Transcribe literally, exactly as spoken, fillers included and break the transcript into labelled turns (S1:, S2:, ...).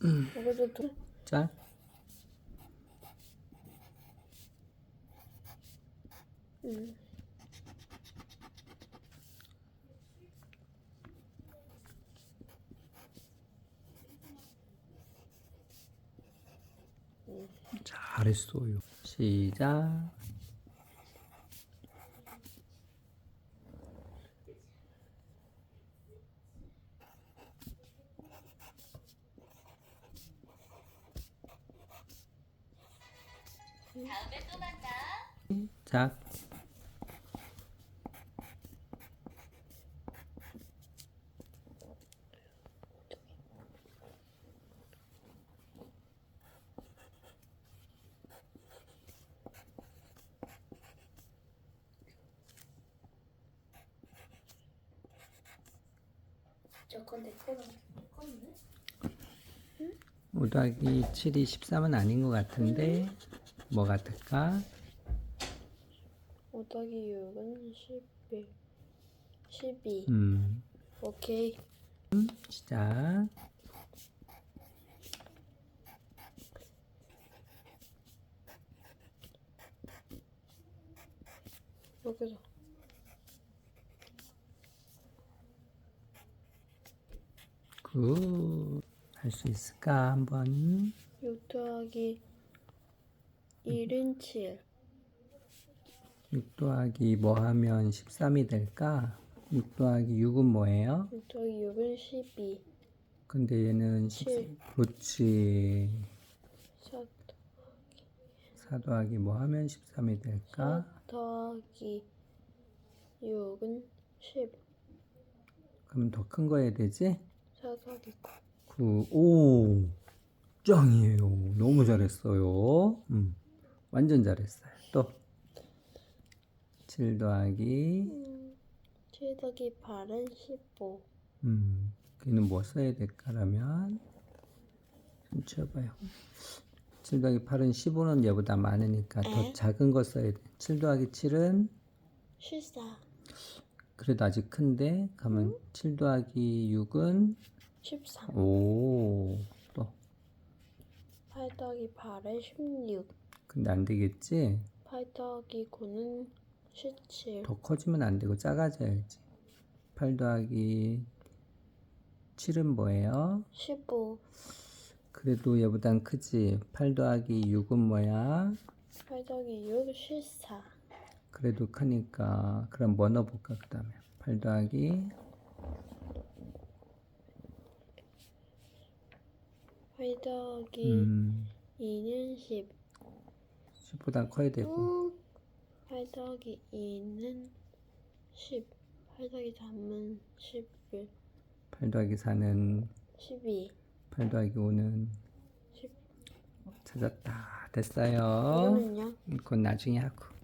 S1: 여기도 두.
S2: 자,
S1: 음.
S2: 잘했어요. 시작.
S3: 다음에 또 만나.
S2: 자,
S1: 저건 내 거는 내 건데?
S2: 오 더하기 칠이 십삼은 아닌 것 같은데 뭐 같을까?
S1: 오 더하기 육은 십일. 십이.
S2: 음,
S1: 오케이.
S2: 시작.
S1: 여기서.
S2: 굿. 할 수 있을까 한번?
S1: 육 더하기 일은 칠.
S2: 육 더하기 뭐 하면 십삼이 될까? 육 더하기 육은 뭐예요?
S1: 육 더하기 육은 십이.
S2: 근데 얘는
S1: 칠.
S2: 십삼. 그렇지.
S1: 사
S2: 사 더하기 뭐 하면 십삼이 될까?
S1: 더하기 육은 십.
S2: 그럼 더 큰 거 해야 되지?
S1: 사 더하기 구.
S2: 구, 오, 짱이에요. 너무 잘했어요. 음, 완전 잘했어요. 또, 칠 더하기,
S1: 음, 칠 더하기 팔은 십오.
S2: 음, 걔는 뭐 써야 될까라면, 좀 치워봐요. 칠 더하기 팔은 십오는 얘보다 많으니까 더
S1: 에?
S2: 작은 거 써야 돼. 칠 더하기 칠은
S1: 십사.
S2: 그래도 아직 큰데, 가면 칠 더하기 육은,
S1: 십삼.
S2: 오, 또,
S1: 팔 더하기 팔은 십육.
S2: 근데 안 되겠지?
S1: 팔 더하기 구는 십칠.
S2: 더 커지면 안 되고 작아져야지. 팔 더하기 칠은 뭐예요?
S1: 십오.
S2: 그래도 얘보단 크지. 팔 더하기 육은 뭐야?
S1: 팔 더하기 육, 십사.
S2: 그래도 크니까. 그럼 뭐 넣어볼까, 그 다음에. 팔 더하기,
S1: 팔 더하기
S2: 음,
S1: 이는 십.
S2: 십보다 커야 되고.
S1: 음, 팔 더하기 이는 십. 팔 더하기 삼은 십일.
S2: 팔 더하기 사는,
S1: 십이.
S2: 팔 더하기 오는
S1: 십.
S2: 찾았다. 됐어요.
S1: 이거는요?
S2: 그건 나중에 하고.